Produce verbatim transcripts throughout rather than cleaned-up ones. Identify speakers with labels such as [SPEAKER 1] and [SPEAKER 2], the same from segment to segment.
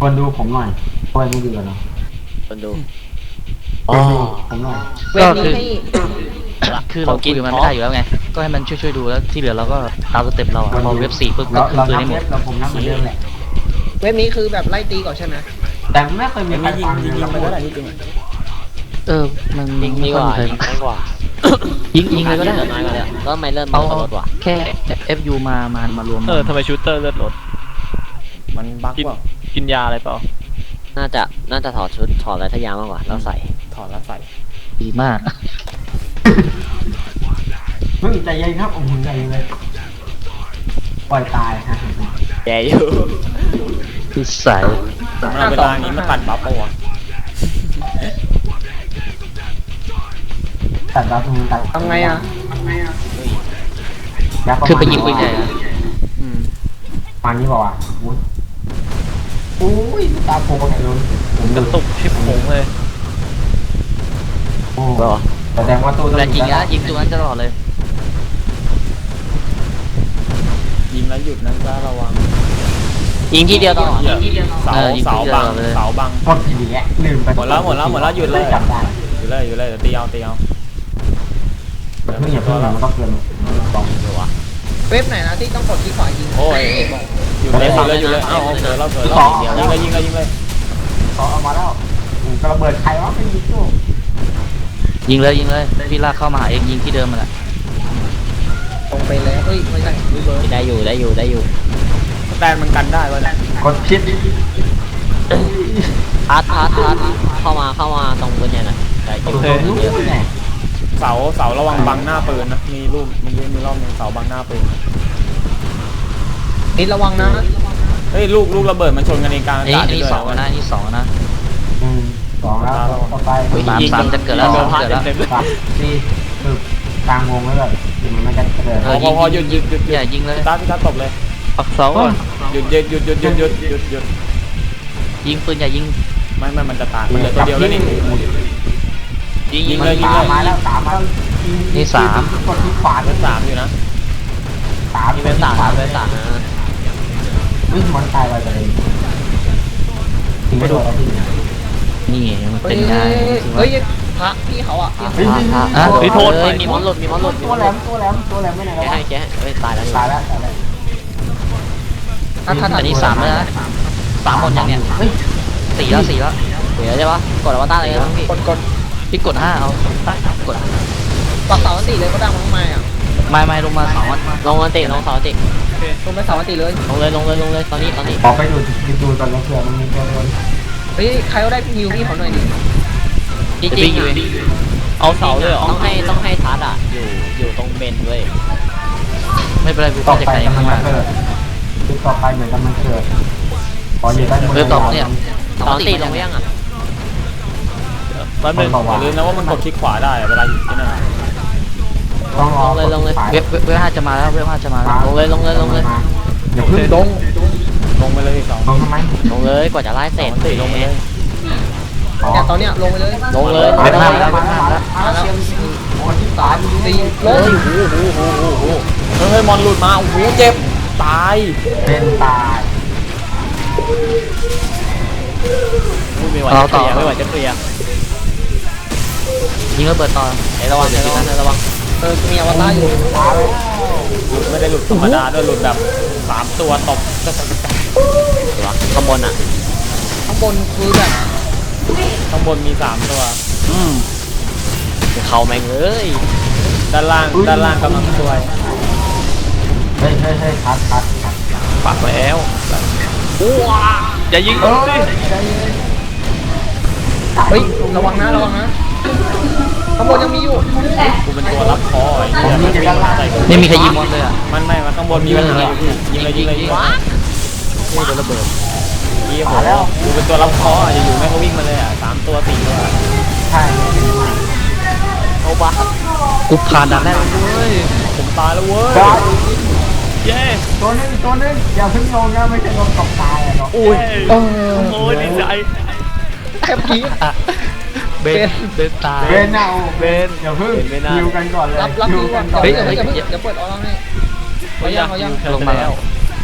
[SPEAKER 1] คนดูผมหน่อยช่วยไม่ดูกันเนาะ
[SPEAKER 2] คนดู
[SPEAKER 1] อ๋อผมหน่อย
[SPEAKER 3] ก็คือคือเราคุยกับมันไม่ได้อยู่แล้วไงก็ให้มันช่วยๆดูแล้วที่เหลือเราก็ตามสเต็ปเราพอเว็บสี่ปุ๊บก็คืนปืนให้หมด
[SPEAKER 1] เราผมนับเหมือนเดิมแหละ
[SPEAKER 4] เว็บนี้คือแบบไล่ตีก่อนใช่ไหม
[SPEAKER 1] แต่ไม่เคยมีใครยิง
[SPEAKER 4] ยิงไปก็ได้จริง
[SPEAKER 3] เออมัน
[SPEAKER 2] ยิงดีกว่ายิงน้อยกว่า
[SPEAKER 3] ยิงยิงเลยก็ได้
[SPEAKER 2] น้อยกว่าเลยแล้วทำไมเลื่อนมันลดวะ
[SPEAKER 3] แค่ เอฟ ยู มามามารวม
[SPEAKER 5] เออทำไมชูเตอร์เลือดลด
[SPEAKER 4] มันบั๊กว่า
[SPEAKER 5] กินยาอะไรเปล่า
[SPEAKER 2] น่าจะน่าจะถอดชุดถอดอะไรทยามากกว่าแล้วใส่
[SPEAKER 4] ถอดแล้วใส่
[SPEAKER 3] ดีมาก
[SPEAKER 1] เฮ้ยใจเย็นครับโอ้โหใจเย็นเลยปล่อยตายฮะ
[SPEAKER 2] แย่อยู่
[SPEAKER 3] คือใส่
[SPEAKER 4] เวลานี้มันตัดบัฟปะวะ
[SPEAKER 1] ตัดบัฟตรงนี้ตัด
[SPEAKER 4] ทำไงอ่ะ
[SPEAKER 3] คือไปยิงปืนใหญ่อะ
[SPEAKER 1] มานี้บอกว่าอุ้ยตาโผล่ไปเลย
[SPEAKER 5] ผมกระตุกชิบหงเลย
[SPEAKER 1] โอ้แสดงว่าตัว
[SPEAKER 3] แต่ยิงนะยิงตัวนั้นตลอดเลย
[SPEAKER 4] ยิงแล้วหยุดนะจ้าระวัง
[SPEAKER 2] ยิงที่เดียวตลอด
[SPEAKER 4] เสาเสาบังเสาบัง
[SPEAKER 1] หมดทีนี้ลืมไป
[SPEAKER 4] หมดแล้วหมดแล้วหมดแล้วหยุดเลยหยุดเลยหยุดเลยเดี๋ยวตีเอาตีเอา
[SPEAKER 1] เพิ่งอย่าเพิ่งมันต้องเกินสอง
[SPEAKER 2] ตัว
[SPEAKER 4] เว็บไหนนะที่ต้องกดที่ขวายิง
[SPEAKER 2] โอ้ย
[SPEAKER 4] อยู่เลยอยู่เลยอ้าวเสือเราเสือเรายิงเลยยิงเลยยิงเลย
[SPEAKER 1] ต่อเอามาแล้วกระเบิดใครวะไปยิงตู้
[SPEAKER 3] ยิงเลยยิงเลยพี่ลากเข้ามาหาเองยิงที่เดิมมาแหละ
[SPEAKER 4] ตรงไปแล้วเฮ้ยไม่ใช่
[SPEAKER 2] ได้อยู่ได้อยู่ได้อยู่
[SPEAKER 4] แต่มันกันได้วะเนี่ย
[SPEAKER 1] กดชิด
[SPEAKER 2] ทัดทัดทัดเข้ามาเข้ามาตรงปืนใหญ่หน่อยได้อยู่เยอะ
[SPEAKER 4] เสาเสาระวังบังหน้าปืนนะมีรูปเมื่อกี้มีรอบนึงเสาบังหน้าปืนนี่ระวังนะเฮ้ยลูกลูกระเบิดมันชนกันในกลางอากาศ
[SPEAKER 3] ด้วยนี่สองนะนี่สองนะ
[SPEAKER 1] อืมสองแล้วต่อไป
[SPEAKER 3] สามสามจะเกิดแล้วเกิดแล้ว
[SPEAKER 1] สี่คือกลางวงแล้วแบบมันไม่จะเกิด
[SPEAKER 4] พอพอหยุดหยุดหยุด
[SPEAKER 3] อย่ายิงเลย
[SPEAKER 4] ตาพี่ตาตบเลย
[SPEAKER 5] ปักเสาก่อน
[SPEAKER 4] หยุดหยุดหยุดหยุดหยุดหยุดหยุดหยุด
[SPEAKER 3] ยิงปืนอย่ายิง
[SPEAKER 4] ไม่ไม่มันจะตายมันเหลือตัวเดียวแล้วนี่ยิงยิงเลยยิงเลย
[SPEAKER 1] มาแล้วสามมา
[SPEAKER 3] นี่สาม
[SPEAKER 1] กดที่ขวา
[SPEAKER 4] เป็นสามอยู่นะ
[SPEAKER 1] สาม
[SPEAKER 2] เป็นสามเป็นสาม
[SPEAKER 1] วิ่งมันตายไปเลยถึงไม่โดนแล้วพี่
[SPEAKER 3] นี่มันเป็นไง
[SPEAKER 4] เฮ้ยพระพี่เขาอ่ะ
[SPEAKER 3] พระพระอ่ะ
[SPEAKER 2] โทษมีมอนหลุดมีมอนหลุด
[SPEAKER 1] ตัวแหลมตัวแหลมตัวแหลมไม่ไหนแล้ว
[SPEAKER 2] แกให้แกให้ตายแล้ว
[SPEAKER 1] ตายแล้วตายแล้ว
[SPEAKER 3] อันนี้สามแล้วนะสามหมดอย่างเนี้ยสี่แล้วสี่แล้ว
[SPEAKER 2] เดี๋ยวใช่ปะกดอวตารเลยครับพี่
[SPEAKER 4] กดกด
[SPEAKER 3] พี่กดห้าเอากด
[SPEAKER 4] ปักเสาอันติเลยก็ดังมากมายอ่ะ
[SPEAKER 3] ไม่ไม่ลงมาสอง
[SPEAKER 2] ลงอันติลงเสาอันติ
[SPEAKER 4] ลงไปเสาอันติเลย
[SPEAKER 2] ลงเลยลงเลยลงเลยตอนนี้ตอนนี้
[SPEAKER 1] ออกไปดูดูตอนนี้เผื่อมันมีตัวโดน
[SPEAKER 4] เฮ้ยใครก็ได้ฮิวพี่เขาหน่อยดิ
[SPEAKER 2] จริง
[SPEAKER 5] ๆเอาเสาเลยเหรอ
[SPEAKER 2] ต้องให้ต้องให้ทัดอ่ะอยู่อยู่ตรงเบนด้วย
[SPEAKER 3] ไม่เป็นไรกู
[SPEAKER 1] ต่อ
[SPEAKER 3] จะ
[SPEAKER 1] ไป
[SPEAKER 3] ไกล
[SPEAKER 1] มันเกิดคือต่อไปเหมือนกันมันเกิดพออยู่ได้
[SPEAKER 3] เออต่อเนี่ย
[SPEAKER 2] ตอนตีลงไปยังอ่ะ
[SPEAKER 5] มันเป็น
[SPEAKER 4] อย่าลืมนะว่ามันกดคลิกขวาได้เวลาอยู่ที่นั่น
[SPEAKER 1] ต้อง
[SPEAKER 2] ลงเลยลงเลย
[SPEAKER 3] เว็บเว็บห้าจะมาแล้วเว็บห้าจะมาแล้ว
[SPEAKER 2] ลงเลยลงเลยลงเลย
[SPEAKER 1] อย่าเพิ่งลง
[SPEAKER 4] ลงไปเลยสอง
[SPEAKER 1] ลงทำไม
[SPEAKER 2] ลงเลยกว่าจะไล่เสร็จ
[SPEAKER 4] ลงไปเลยเนี่ยตอนเนี้ยลงไปเลย
[SPEAKER 2] ลงเลย
[SPEAKER 1] มาแล้วมาแล้วมาแล้วมาแล้ว
[SPEAKER 4] สามสี่ลง
[SPEAKER 2] โอ้โหโอ้โหโอ้โห
[SPEAKER 4] เฮ้ยมอนหลุดมาโอ้โหเจ็บตาย
[SPEAKER 1] เป็นตาย
[SPEAKER 2] ไม่ไหวจะเคลียร์ไม่ไหวจะเคลียร์
[SPEAKER 3] ยิงแล้วเปิดต่อ
[SPEAKER 2] ไอ้ระวังไอ้ระวังไอ้ระวัง
[SPEAKER 4] เออมีอวตารอยู่
[SPEAKER 1] หลุด
[SPEAKER 4] ไม่ได้หลุดธรรมดาด้วยหลุดแบบสามตัวตบ
[SPEAKER 2] ข้างบนอ่ะ
[SPEAKER 4] ข้างบนคือแบบข้างบนมีสามตัว
[SPEAKER 2] อืมเขาแม่งเลย
[SPEAKER 4] ด้านล่างด้านล่างกำลังช่วย
[SPEAKER 1] เฮ้ยเฮ้ยเฮ้ยคัดคัดคัด
[SPEAKER 5] ปักแล้วว้าอย่ายิงสิ
[SPEAKER 4] เฮ้ยระวังนะระวังนะข้างบนยังมีอยู่กูเป็นตัวรับคอไอ้เหี้ย
[SPEAKER 3] ไม่มีใครยิงมอนเลยอ่ะ
[SPEAKER 4] มันไม่มันข้างบนมีมันอยู่ยิงเลยยิงเลยยิงว้า
[SPEAKER 3] นี่โดนระเบิด
[SPEAKER 4] ยี่ห้อแล้วกูเป็นตัวรับคออยู่ๆแม่งก็วิ่งมาเลยอ่ะสามตัวสี่ตัว
[SPEAKER 1] ใช่
[SPEAKER 2] โอ้บ้า
[SPEAKER 3] กูผ่านด่านแรกเลย
[SPEAKER 4] ผมตายแล้วเว้ย
[SPEAKER 5] เย้
[SPEAKER 1] ตัวนึงตัวนึงอย่าเพิ่งลงนะไม่ใช่ลงตกตายอ่ะเนาะ
[SPEAKER 5] อุ้ยโอ้ยดีใจ
[SPEAKER 4] แค่พี
[SPEAKER 3] เบนเบนตาย
[SPEAKER 1] เบนเอาเบนอย่าเพิ่งฮิวกันก่อนเลย
[SPEAKER 4] รับรับฮิวก่อนเฮ้ยเดี๋ยวเดี๋ยวเปิดออร่าให้
[SPEAKER 5] เขายังเขายังลงมาแล้ว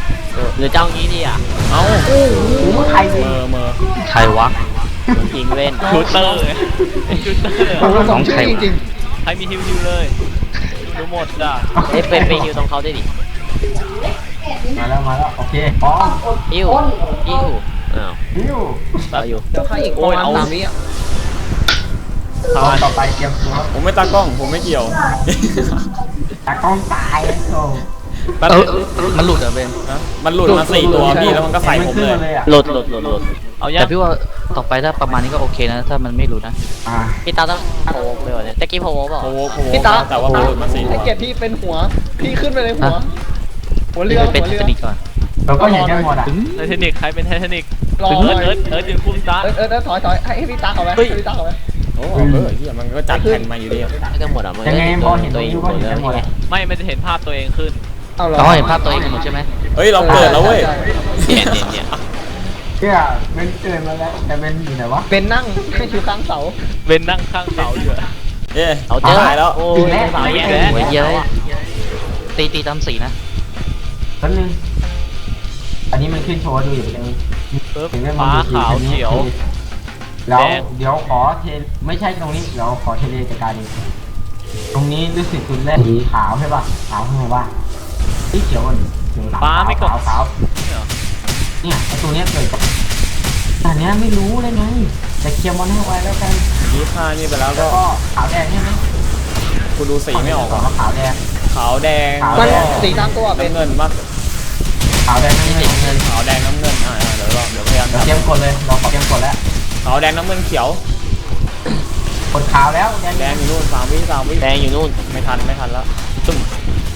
[SPEAKER 2] หรือเจ้างี้ดีอ่ะ
[SPEAKER 5] เอ้า
[SPEAKER 1] โอ้โหใคร
[SPEAKER 5] เม
[SPEAKER 1] เนี่ย
[SPEAKER 5] อเมอ
[SPEAKER 3] ใครวะ
[SPEAKER 2] ยิงเล่น
[SPEAKER 5] ชูเตอร์ชูเตอร์
[SPEAKER 4] โอ้โหสองชื่อจริง
[SPEAKER 5] ใครมีฮิวฮิวเลยดูหมดจ้ะ
[SPEAKER 2] เอ้ยเป็นไปฮิวตรงเขาได้ดิ
[SPEAKER 1] มาแล้วมาแล้วโอเคพร้อม
[SPEAKER 2] อิวอิวอ้าว
[SPEAKER 1] ฮิว
[SPEAKER 2] เอาอยู่
[SPEAKER 4] ๆเดี๋ยวค่าอีกประมาณสามวิอ่ะ
[SPEAKER 1] ตอนต่อไปเตรียมตัว
[SPEAKER 5] ผมไม่ตากล้องผมไม่เกี่ยว
[SPEAKER 1] ตากล้องตายโอ้
[SPEAKER 5] แป๊บ
[SPEAKER 3] เอ
[SPEAKER 5] นึ
[SPEAKER 3] อง มันหลุดเหรอเบน
[SPEAKER 5] นะมันหลุดมาสี่ตัวพี่แล้วมันก็ใส่ผมเลย
[SPEAKER 1] เลยอ่ะ
[SPEAKER 2] หลุดหลุดหลุดหลุด
[SPEAKER 5] เอายั
[SPEAKER 3] แต่
[SPEAKER 5] ง
[SPEAKER 3] พี่ว่าต่อไปถ้าประมาณนี้ก็โอเคนะ ถ้ามันไม่หลุดนะ
[SPEAKER 1] อ่า
[SPEAKER 2] พี่ตาต้องโผล่ไปวะเนี่ยตะกี้โผล่เปล่า
[SPEAKER 5] โอ้โหโอ้โห
[SPEAKER 4] พี่ตา
[SPEAKER 5] แต่ว่ามันหลุดมาสี่ตั
[SPEAKER 4] ไอ้
[SPEAKER 5] ว
[SPEAKER 4] เกียรติพี่เป็นหัวพี่ขึ้นไปเลยหัว
[SPEAKER 3] ฮะ
[SPEAKER 4] หัวเรือ
[SPEAKER 3] พี่ไปเป็น
[SPEAKER 4] หัว
[SPEAKER 3] เท
[SPEAKER 4] เรือ
[SPEAKER 3] คนิคก่อน
[SPEAKER 1] เราก็เห็นกันหมดอ่ะ
[SPEAKER 5] ไททานิกใครเป็นไททานิก
[SPEAKER 4] รอ
[SPEAKER 5] เอิร์ดเอิร์ดเอิร์ดยืนคุ้มตา
[SPEAKER 4] เออเออเออถอยถอยให้ให้พี่ตาเอาไว้ให้พี่ตาเอาไว้
[SPEAKER 5] โอ้โหเออเฮียมันก็จัดแผ่นมาอยู่ดีอะ
[SPEAKER 2] ไม่กันหมดอ่ะมัน
[SPEAKER 1] ยังไงพอเห็น
[SPEAKER 2] ตัว
[SPEAKER 1] ตัว
[SPEAKER 2] เอง
[SPEAKER 1] ยู
[SPEAKER 2] หม
[SPEAKER 1] ก็
[SPEAKER 2] ด
[SPEAKER 1] เห็น
[SPEAKER 2] เลย
[SPEAKER 1] กันหมด
[SPEAKER 2] ไง
[SPEAKER 1] อ่ะ
[SPEAKER 5] ไม่มันจะเห็นภาพตัวเองขึ้น
[SPEAKER 4] เอาเหรอ
[SPEAKER 3] เราเห็นภาพตัวเองกันหมดใช่ไหม
[SPEAKER 5] เฮ้ยเราเกิดแล้วเว้ย
[SPEAKER 2] เนี่ยเนี่ยเนี่ย
[SPEAKER 1] เชื่อเป็นเกินมาแล้วแต่เป็นอยู่ไหนวะ
[SPEAKER 4] เป็นนั่งให้คิวข้างเสา
[SPEAKER 5] เวนนั่งข้างเสาอยู่อะเย้
[SPEAKER 2] เอาเจอ
[SPEAKER 5] ตายแล้ว
[SPEAKER 2] โอ้
[SPEAKER 1] ถึ
[SPEAKER 2] ย
[SPEAKER 1] งแล้ว
[SPEAKER 2] สาวแย่
[SPEAKER 5] ถึง
[SPEAKER 2] แล้ว
[SPEAKER 5] แล้ว
[SPEAKER 3] โอ้ยเยอะตีตีตามสีนะ
[SPEAKER 1] แป๊บนึงอันนี้มันขึ้นโชว์ดูอยู่เลย
[SPEAKER 5] ปึ๊บ
[SPEAKER 1] ถึงได้
[SPEAKER 5] ฟ้า
[SPEAKER 1] ดู
[SPEAKER 5] ขาวเขียว
[SPEAKER 1] แล้ว
[SPEAKER 5] แดง
[SPEAKER 1] เดี๋ยวขอเทไม่ใช่ตรงนี้เดี๋ยวขอเทเลจัดการเองตรงนี้รู้สึกคุณแรกสีขาวใช่ป่ะขาวข้างในว่าสีเขียวก่อนเขียว
[SPEAKER 5] ฟ้าไม่กด
[SPEAKER 1] ขาวขาวเนี่ยไอตัวเนี้ยเกิดกับแต่เนี้ยไม่รู้เลยไงแต่เคลียร์มอนให้ไว้แล้วกัน
[SPEAKER 5] ยี่ห้านี่ไปแล้ว
[SPEAKER 1] แล้
[SPEAKER 5] ก็
[SPEAKER 1] วก็ขาวแดงใช่ไหม
[SPEAKER 5] กูดูสีไม่ออก
[SPEAKER 1] ก่อน
[SPEAKER 5] อะ
[SPEAKER 1] ว่าขาวแดง
[SPEAKER 5] ขาวแดง
[SPEAKER 1] ขาว
[SPEAKER 4] มัน
[SPEAKER 1] แดง
[SPEAKER 4] สีตามตัวเป็น
[SPEAKER 5] น้ำเงินปะ
[SPEAKER 1] ขาวแดงน้ำเงินน้ำเงิน
[SPEAKER 5] ขาวแดงน้ำเงินอ่าอ่าเดี๋ยวรอเดี๋ยวพยายาม
[SPEAKER 1] เรา
[SPEAKER 5] ทำ
[SPEAKER 1] เตรียมกดเลยเราเตรียมกดแล้ว
[SPEAKER 5] ขาวแดงน้ำเงินเขียว
[SPEAKER 1] กดขาวแล้วแดง
[SPEAKER 5] แดงอยู่นู่นสามวิสามวิ
[SPEAKER 2] แดงอยู่นู่น
[SPEAKER 5] ไม่ทันไม่ทันแล้วตุ้ม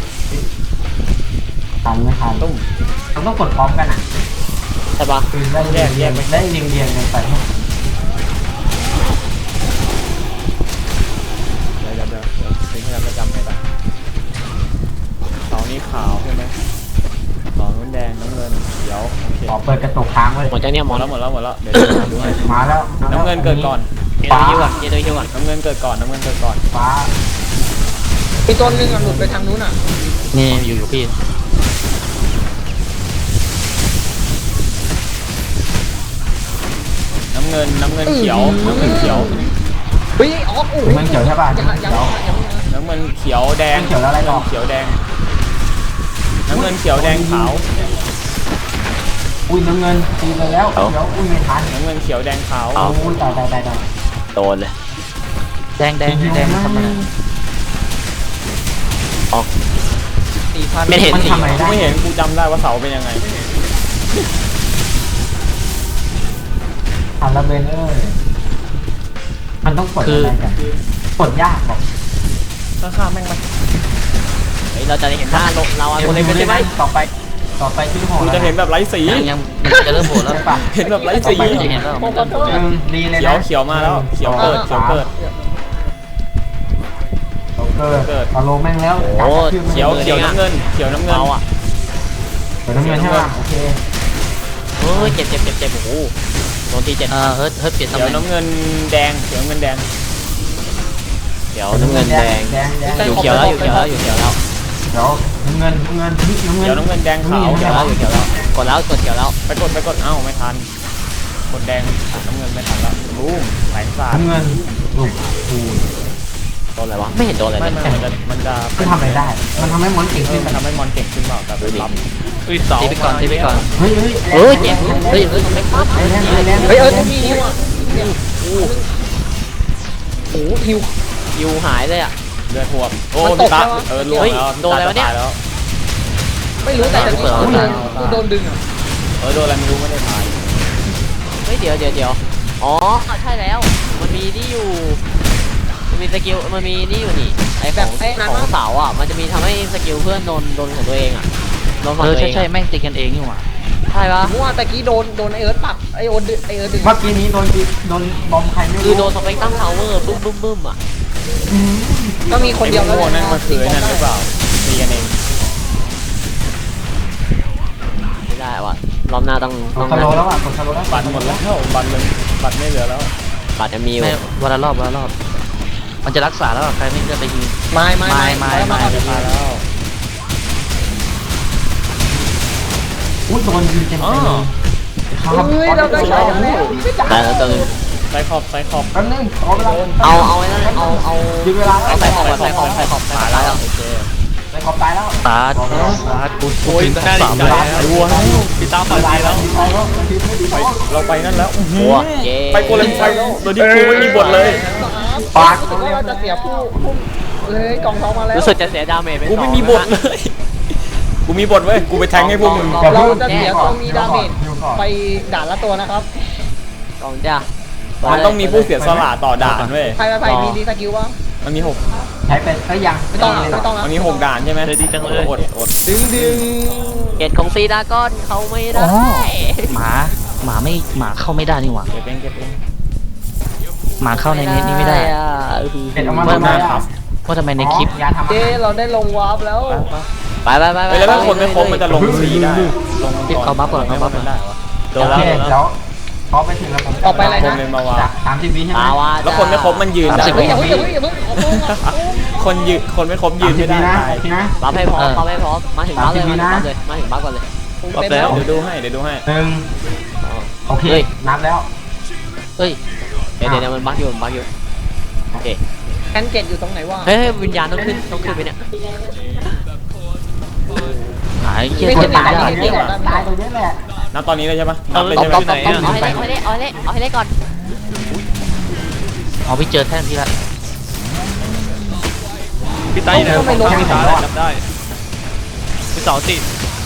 [SPEAKER 1] ทันไม่ทัน
[SPEAKER 5] ตุ้ม
[SPEAKER 1] เราต้องกดพร้อมกันอ่ะ
[SPEAKER 2] ใช่ปะ
[SPEAKER 1] คือได้เรียงเรียงได้เรียงเรียงกันไป
[SPEAKER 5] เดี๋ยวเดี๋ยวเดี๋ยวเดี๋ยวพยายามจะจำให้ได้เสานี้ขาวใช่ไหมเสานู้นแดงน้ำเงินเขียวโอเค
[SPEAKER 1] ขอเปิดกระจกค้างไว้
[SPEAKER 2] หมดจากเนี่ยห
[SPEAKER 5] ห
[SPEAKER 2] ม
[SPEAKER 5] ม
[SPEAKER 2] ด
[SPEAKER 5] ด
[SPEAKER 2] แล้
[SPEAKER 5] แล้ว วหมดแล้วหมดแล้วเดี๋ยวจะดูให้
[SPEAKER 1] มาแล้ว
[SPEAKER 5] น้ำเงินเกิดก่อน
[SPEAKER 2] เกตัวฮิวก่อนเกตัวฮิวก่อน
[SPEAKER 5] น้ำเงินเกิดก่อนน้ำเงินเกิดก่อน
[SPEAKER 1] ฟ้า
[SPEAKER 4] อีกตัวหนึงอ่ะหลุดไปทางนู้นอ่ะ
[SPEAKER 3] นี่อยู่อยู่พี่
[SPEAKER 5] น้ำเงินน้ำเงินเขียวน้ำเงินเขียว
[SPEAKER 4] เฮ้ยออกโอ้โห
[SPEAKER 1] มันเขียวใช่ป่ะ
[SPEAKER 4] ยัง
[SPEAKER 1] เขี
[SPEAKER 4] ยัง
[SPEAKER 1] ยว
[SPEAKER 4] ยัง
[SPEAKER 5] น้ำเงินเขียวแดง
[SPEAKER 1] เขียวแล้วอะไรต่อ
[SPEAKER 5] น้ำเงินเขียวแดงน้ำเงินเขียวแดงขาว
[SPEAKER 1] อุ้ยน้ำเงินตีไปแล้วเขียวอุ้ยไม่ทัน
[SPEAKER 5] น้ำเงินเขียวแดงขาว
[SPEAKER 1] โอ้ยตายตายตายตาย
[SPEAKER 2] โดนเลย
[SPEAKER 3] แดงแดงแดงทำอะไร
[SPEAKER 2] ออก
[SPEAKER 4] สี่พัน
[SPEAKER 2] ไม่เห็น
[SPEAKER 1] มัน
[SPEAKER 2] สี
[SPEAKER 1] ทำอะไร
[SPEAKER 5] กู
[SPEAKER 1] ได้
[SPEAKER 5] ไม่เห็นกูจำได้ว่าเสาเป็นยังไง
[SPEAKER 1] ทันแล้วเบนเอ้ยมันต้องกดอะไรกันกดยากบอก
[SPEAKER 5] ข้างๆแม่งมัน
[SPEAKER 2] เฮ้ยเราจะได้เห็นหน้าเราเราคนเล็กใช่ไหม
[SPEAKER 1] ต่อไปต่อไปชื่อโห
[SPEAKER 5] กูจะเห็นแบบไร้สี
[SPEAKER 3] ยังยังมันจะเริ่มโหดแล้ว
[SPEAKER 1] ใช่ป่ะ
[SPEAKER 5] เห็นแบบไร้สี
[SPEAKER 3] ต่อไปจะเห็นแล้วมันเริ่มโหด
[SPEAKER 1] ห
[SPEAKER 3] แล้ว
[SPEAKER 1] นึ่งดีเลย
[SPEAKER 5] เขียว
[SPEAKER 1] นะ
[SPEAKER 5] เขียวมาแล้วเขียวเกิดเขียวเกิด
[SPEAKER 1] เขียวเกิด
[SPEAKER 5] เกิด
[SPEAKER 1] เอาลงแม่งแล้ว
[SPEAKER 5] เขียวเขียวน้ำเงินเขียวน้ำเงิน
[SPEAKER 2] เราอ่ะ
[SPEAKER 1] เขียวน้ำเงินใช่ป่ะโอเค
[SPEAKER 2] เฮ้ยเจ็บเจ็บเจ็บเจ็บโอ้โหโดนตีเจ็บ
[SPEAKER 3] เออเฮิร์ทเฮิร์ทเปลี่ยนตำ
[SPEAKER 5] เขี
[SPEAKER 3] แห
[SPEAKER 5] ยว
[SPEAKER 3] น่ง
[SPEAKER 5] น้ำเงินแดงเขียวน้ำเงินแดง
[SPEAKER 2] เดี๋ยวน้ำเงินแดง
[SPEAKER 1] แดงแดง
[SPEAKER 2] อยู่เขียวแล้วอยู่เขียวแล้วอยู่เขียวแล้ว
[SPEAKER 1] เดี๋ยวน้ำเงินน้ำเงินน้ำเงิน
[SPEAKER 5] เขียวน้ำเงินแดงขาว
[SPEAKER 2] เขียวแล้วอยู่เขียวแล้วกดแล้วกดเขียวแล้ว
[SPEAKER 5] ไปกดไปกดเอ้าไม่ทันกดแดงอ่ะน้ำเงินไม่ทันแล้วบูมแสงสาด
[SPEAKER 1] น้ำเงินลูกอู
[SPEAKER 2] โดนอะไรวะไม่เห็นโดนอะไร
[SPEAKER 5] ไม่
[SPEAKER 2] เลย
[SPEAKER 5] ไม่มันจะมันจะ
[SPEAKER 1] มันทำอะไรได้ มันทำให้มอนเก่ง
[SPEAKER 5] เอ
[SPEAKER 1] ขึ้
[SPEAKER 5] อน มันทำให้มอนเก่งขึ้นเปล่าแต่เป็นลำอุ้ยเสา
[SPEAKER 3] ตีไปก่อนตีไปก่อน
[SPEAKER 1] เฮ้ยเฮ้ย
[SPEAKER 2] เฮ้ยเจ็บเฮ้ยเฮ้ยไม่ปั๊บ
[SPEAKER 1] แรงแรงแรง
[SPEAKER 4] เฮ้ยเออต้องมีฮิวอ่ะเนี่ยโอ้โหฮิว
[SPEAKER 2] ยูหายเลยอ่ะ
[SPEAKER 5] เลือดท่วมโอ้
[SPEAKER 4] มันต
[SPEAKER 5] พี่
[SPEAKER 4] ก
[SPEAKER 5] ตา
[SPEAKER 4] แล้วอะ
[SPEAKER 5] เออล่วง
[SPEAKER 2] เฮ้ย
[SPEAKER 5] แล้ว
[SPEAKER 2] โดนอะไรวะเนี่ย
[SPEAKER 5] ตายแล้ว
[SPEAKER 4] ไม่รู้แต่จะโดนกูโดนดึงอ่ะ
[SPEAKER 5] เออโดนอะไรไม่รู้ไม่ได้ตาย
[SPEAKER 2] เฮ้ยเดี๋ยวเดี๋ยวเดี๋ยวอ๋อใช่แล้วมันมีนี่อยู่มันมีสกิลมันมีนี่อยู่นี่ไอ้ของของเสาอ่ะมันจะมีทำให้สกิลเพื่อนโดนโดนของตัวเองอ่ะโดนของ
[SPEAKER 3] เออ
[SPEAKER 2] ตัวเอ
[SPEAKER 3] ใช่
[SPEAKER 2] ง
[SPEAKER 3] ใช่แม่งตีกันเองนี่หว่า
[SPEAKER 2] ใช่ปะ
[SPEAKER 4] ผมว่าตะกี้โดนโดนไอเอิร์ธปักไอโอนดึงไอเอิร์ธดึง
[SPEAKER 1] เมื่อกี้นี้โดนโดนบอมใครไม่
[SPEAKER 2] คือ
[SPEAKER 1] รู้
[SPEAKER 2] โดนสเปกตั้งทาวเวอร์บึ้มบึ้มบึ้มอ่ะ
[SPEAKER 4] ก็มีคนเดียว
[SPEAKER 5] ไอ้
[SPEAKER 4] แล้ว
[SPEAKER 5] พวกนั่นมันคือไอ้นั่นหรือเปล่าตีกันเอง
[SPEAKER 2] ไม่ได้ว่ะรอบหน้าต้อง
[SPEAKER 1] ก
[SPEAKER 2] ต้อ
[SPEAKER 1] ด
[SPEAKER 2] ง
[SPEAKER 1] สโลแล้วอ่ะกดสโลแล้ว
[SPEAKER 5] บัตรหมดแล้วบัตรเลยบัตรไม่เหลือแล้ว
[SPEAKER 2] บัตรจะมีอยู่
[SPEAKER 3] ไม่วันละรอบวันละรอบ มันจะรักษาแล้วอะใครไม่เลือกไปยิง
[SPEAKER 4] ไม่ไม่
[SPEAKER 3] ไม่ไม่
[SPEAKER 4] ไม่
[SPEAKER 3] ไม่
[SPEAKER 5] ตายแล้ว
[SPEAKER 1] อุ้ยโดนยิงเต็ม
[SPEAKER 5] อ๋อ
[SPEAKER 1] ๆครับ
[SPEAKER 4] เฮ้ยเราได้ใช้กันแล้วไม่จ่าย
[SPEAKER 2] แต่แล้วตัวนึง
[SPEAKER 5] ไซคอบไซคอบ
[SPEAKER 1] แป๊บนึงขอเวลา
[SPEAKER 2] เอาเอาไอ้นั่นเอาเอา
[SPEAKER 1] ดึงเวลา
[SPEAKER 2] เอาใส่ขอบใส่ขอบใส่ขอบใส่ขอบตายแล้ว
[SPEAKER 5] โอเค
[SPEAKER 1] ไปขอบตายแล้ว
[SPEAKER 3] ตาตากูกู
[SPEAKER 5] โอ้ย
[SPEAKER 3] ถึง
[SPEAKER 5] น่าดี
[SPEAKER 3] สาม
[SPEAKER 5] ใจ
[SPEAKER 3] แล้ว
[SPEAKER 5] นะวัวแล้วพี่ตามฝันดีแล้ว
[SPEAKER 1] ไปแล้วทีมไม่ดี
[SPEAKER 5] ไป
[SPEAKER 1] แล้ว
[SPEAKER 5] เราไปนั่นแล้วอื้อหือ
[SPEAKER 2] วัวเย้
[SPEAKER 5] ไปโกเลมไฟแล้วโดยที่กูไม่มีบทเลย
[SPEAKER 1] ปาก
[SPEAKER 4] รู้สึกว่าเราจะเสียผู้ผู้เลยกล่องทองมาแล้ว
[SPEAKER 2] รู้สึกจะเสียดาเมจไป
[SPEAKER 5] กูไม่มีบทเลย กูมีบทเว้ย กูไปแทงให้พวกมึง
[SPEAKER 4] เราจะเสียตัวมีดาเมจไปด่านละตัวนะครับ
[SPEAKER 2] กองจ้า
[SPEAKER 5] มันต้องมีผู้เสียสละต่อด่านเว้ย
[SPEAKER 4] ใครไปไปมีดีสกิลบ้าง
[SPEAKER 5] มันมีหก
[SPEAKER 1] ใช้เป็นก็ยัง
[SPEAKER 4] ไม่ต้องไม่ต้องนะ
[SPEAKER 5] มันมีหกด่านใช่ไหม
[SPEAKER 3] ดีจังเลย
[SPEAKER 5] อดอด
[SPEAKER 4] ดึงดึง
[SPEAKER 2] เกตของซีดาก้อนเขาไม่ได้
[SPEAKER 3] อ๋อหมาหมาไม่หมาเข้าไม่ได้นี่หว่า
[SPEAKER 5] เก็บเองเก็บเอง
[SPEAKER 3] หมาเข้าในเน็ตนี่ไม่ได้
[SPEAKER 2] อะ
[SPEAKER 1] เป็นออกมา
[SPEAKER 5] เพิ่มมาครับ
[SPEAKER 3] ว่าทำไมในคลิป
[SPEAKER 1] ยาทำ
[SPEAKER 4] เจเราได้ลงวาร์ปแล้ว
[SPEAKER 2] ไปไปไป
[SPEAKER 5] เฮ้ยแล้วถ้าคนไม่ครบมันจะลงสีได้ลง
[SPEAKER 3] เอาบัฟก่อนเอาบัฟก่อน
[SPEAKER 5] ได้วะ
[SPEAKER 1] โอเคแล้วพอไปถึงแล้วผม
[SPEAKER 4] ออกไปอะไร
[SPEAKER 5] คน
[SPEAKER 4] นะ
[SPEAKER 5] เลยมาวา
[SPEAKER 1] จากสามสิบวิใช่ไหม
[SPEAKER 2] ปาวา
[SPEAKER 5] แล้วคนไม่ครบมันยืนได้
[SPEAKER 3] สามสิบ
[SPEAKER 4] เฮ้ยอย่าเพิ่งอย่าเพิ่งอย่าเพิ่งเอาโป้งเอาโป้ง
[SPEAKER 5] คนยืนคนไม่ครบยื
[SPEAKER 1] สาน มสิ
[SPEAKER 5] ไม่
[SPEAKER 1] บ
[SPEAKER 5] ได้
[SPEAKER 1] วินะ
[SPEAKER 5] ตาย
[SPEAKER 1] โอเคนะ
[SPEAKER 2] บัฟให้พร้อมบัฟให้พร้อมมาถึงบัฟเลยมาถึงบัฟเลยมาถึงบัฟก่อนเลย
[SPEAKER 4] เต็มแล้ว
[SPEAKER 5] เดี๋ยวดูให้เดี๋ยวดูให้
[SPEAKER 1] หนึ่งโอเค
[SPEAKER 2] เฮ้ย
[SPEAKER 1] นับแล้ว
[SPEAKER 3] เฮ้ย
[SPEAKER 2] เดี๋ยวเดี๋ยวมันบัฟอยู่มันบัฟอยู่โอเค
[SPEAKER 4] แคนเจ็ดอยู่ตรงไหนวะ
[SPEAKER 2] เฮ้ยวิญญาณต้องขึ้นต้องขึ้นไปเนี่ย
[SPEAKER 3] หายเกีย
[SPEAKER 1] ไม่
[SPEAKER 3] ร์
[SPEAKER 1] ใช่
[SPEAKER 3] ตา
[SPEAKER 1] ตาย
[SPEAKER 3] ย
[SPEAKER 1] ตรงนี้แหละตายตรงนี้แหละ
[SPEAKER 5] นับตอนนี้เลยใช่ปะนับเลย
[SPEAKER 2] ตบ
[SPEAKER 5] ใช่ไหม
[SPEAKER 2] ตบตบตบเอาให้เละเอาให้เละเอาให้เละก่อน
[SPEAKER 3] เอาไปเจอแท่นพี่ละ
[SPEAKER 5] พี่ไต้เนี่ยพี่ตาแล้วจำได้พี่สาวติด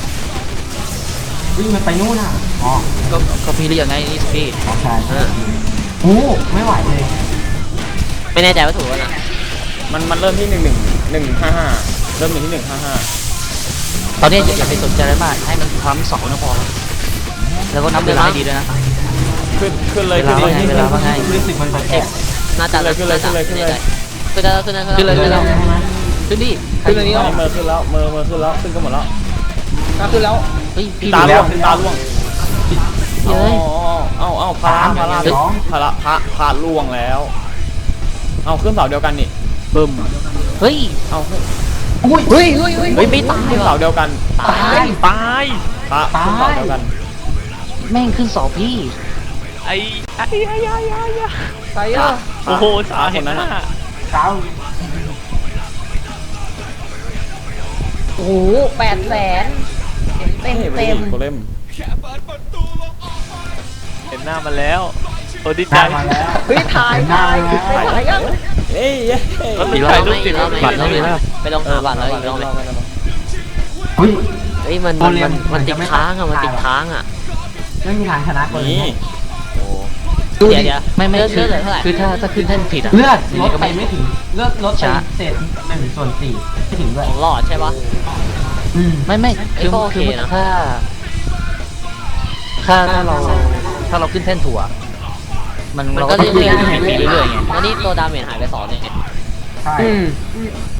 [SPEAKER 1] วิ่งมันไปนู่นอ่ะอ๋อ
[SPEAKER 3] ก็ก็พี่เรียกไงนี่พี่
[SPEAKER 1] โอเคโอ้ไม่ไหวเลย
[SPEAKER 2] ไม่แน่ใจว่าถูกแล้วนะ
[SPEAKER 5] มันมันเริ่มที่หนึ่งหนึ่งหนึ่งห้าห้าเริ่มอยู่ที่หนึ่งห้าห้า
[SPEAKER 3] ตอนนี้อย่าอย่าไปสนใจอะไรมากให้มันความสองนะพอแล้วก็นับเวลาให้ดีด้วยนะ
[SPEAKER 5] ขึ้นขึ้นเลยขึ้น
[SPEAKER 3] เว
[SPEAKER 5] เล
[SPEAKER 3] ลาย ว่าไงเวลาว่าไง
[SPEAKER 1] รู้สึกมันแปลก
[SPEAKER 2] น่าจะขึ้นเลยขึ้นเลยขึ้นเลยขึ้นเลยขึ้นเลย
[SPEAKER 3] ขึ้นเลย
[SPEAKER 1] ๆ
[SPEAKER 3] ขึ้นเลย
[SPEAKER 1] ใช่ไหม
[SPEAKER 3] ขึ้นดิ
[SPEAKER 4] ขึ้นอันนี้
[SPEAKER 5] ตอน
[SPEAKER 4] แล้ว
[SPEAKER 5] นี้เมอร์ขึ้นแล้วเมอร์เมอร์ขึ้นแล้วขึ้นกันหมดแล้ว
[SPEAKER 4] ขึ้นแล้ว
[SPEAKER 3] เฮ้ยพี่
[SPEAKER 5] ตา
[SPEAKER 3] ดู
[SPEAKER 5] ล่
[SPEAKER 3] แล้ว ว
[SPEAKER 5] งตาล่วง
[SPEAKER 3] เฮ้ย
[SPEAKER 5] เอ้าเอ้าพระพระพระพระพระพระล่วงแล้วเอาขึ้นเสาเดียวกันนี่
[SPEAKER 3] บึ้มเฮ้ย
[SPEAKER 5] เอา
[SPEAKER 1] อุ้ย
[SPEAKER 4] เฮ้ยเฮ้ยเฮ้ย
[SPEAKER 2] เฮ้ยไม่ตาย
[SPEAKER 5] ขึ้น
[SPEAKER 2] ว่ะ
[SPEAKER 5] เสาเดียวกัน
[SPEAKER 1] ตาย
[SPEAKER 3] ตาย
[SPEAKER 5] พระขึ้นเสาเดียวกัน
[SPEAKER 3] แม่งขึ้นสองพี่
[SPEAKER 6] ไอ้ไอ้ไอ้ไอ้ไอ้ไอ้
[SPEAKER 4] ใครอ่ะ
[SPEAKER 6] โอ้โหสาเห็นหน้า
[SPEAKER 1] เก้า
[SPEAKER 4] โอ้โหแปดแสนเต็มเต็ม
[SPEAKER 5] โคเลม
[SPEAKER 6] เห็นหน้ามันแล้วโอ้ดีใจ
[SPEAKER 1] ได้มาแล้ว
[SPEAKER 4] เฮ้ยถ่ายถ่ายถ่ายถ่ายยัง
[SPEAKER 5] เอ้ยเย้
[SPEAKER 6] แล้วมัน
[SPEAKER 3] อีกรอบ
[SPEAKER 6] ถ่ายรูปติด
[SPEAKER 2] อีกรอบ
[SPEAKER 3] บัตรแล้วเลยนะ
[SPEAKER 2] ไปลงหาบัตรแล้วอีกรอบเลย
[SPEAKER 1] อุ้ย
[SPEAKER 2] เฮ้ยมันมันมันมันติดค้างอ่ะมันติดค้างอ่ะ
[SPEAKER 1] ไม่มีทางชนะคน
[SPEAKER 5] นี่
[SPEAKER 1] นี้
[SPEAKER 2] เดี๋ยวเดี๋ยว
[SPEAKER 3] ไม่ไม่
[SPEAKER 2] เลือด
[SPEAKER 3] คือ
[SPEAKER 2] เลือดเหลือเท่าไหร่
[SPEAKER 3] คือถ้าถ้าขึ้นแท่นผิดอ่ะ
[SPEAKER 1] เลือด
[SPEAKER 3] ยัง
[SPEAKER 1] ล
[SPEAKER 3] ไง
[SPEAKER 1] ด
[SPEAKER 3] ก็
[SPEAKER 1] ไป
[SPEAKER 3] ไม่
[SPEAKER 1] ไม่ถึงเลือดลดไป
[SPEAKER 3] ช้า
[SPEAKER 1] เศษหนึ่งส่วนสี่ไม่ถึงด้วย
[SPEAKER 2] ของหลอดใช่ปะ
[SPEAKER 1] อืม
[SPEAKER 3] ไม่ไม่คือ
[SPEAKER 2] ก็โอเค
[SPEAKER 3] คือ
[SPEAKER 2] นะ
[SPEAKER 3] ถ้าถ้าถ้าเราถ้าเราขึ้นแท่นถั่วมัน
[SPEAKER 2] มัน
[SPEAKER 3] เรา
[SPEAKER 2] ก็
[SPEAKER 3] ก็
[SPEAKER 2] เรื่
[SPEAKER 3] ขึ้น
[SPEAKER 2] อยๆ
[SPEAKER 3] ไปเรื่อยๆไง
[SPEAKER 2] แล้วนี่ตัวดาเมจหายไปสองเนี่ย
[SPEAKER 1] ใช่
[SPEAKER 4] อืม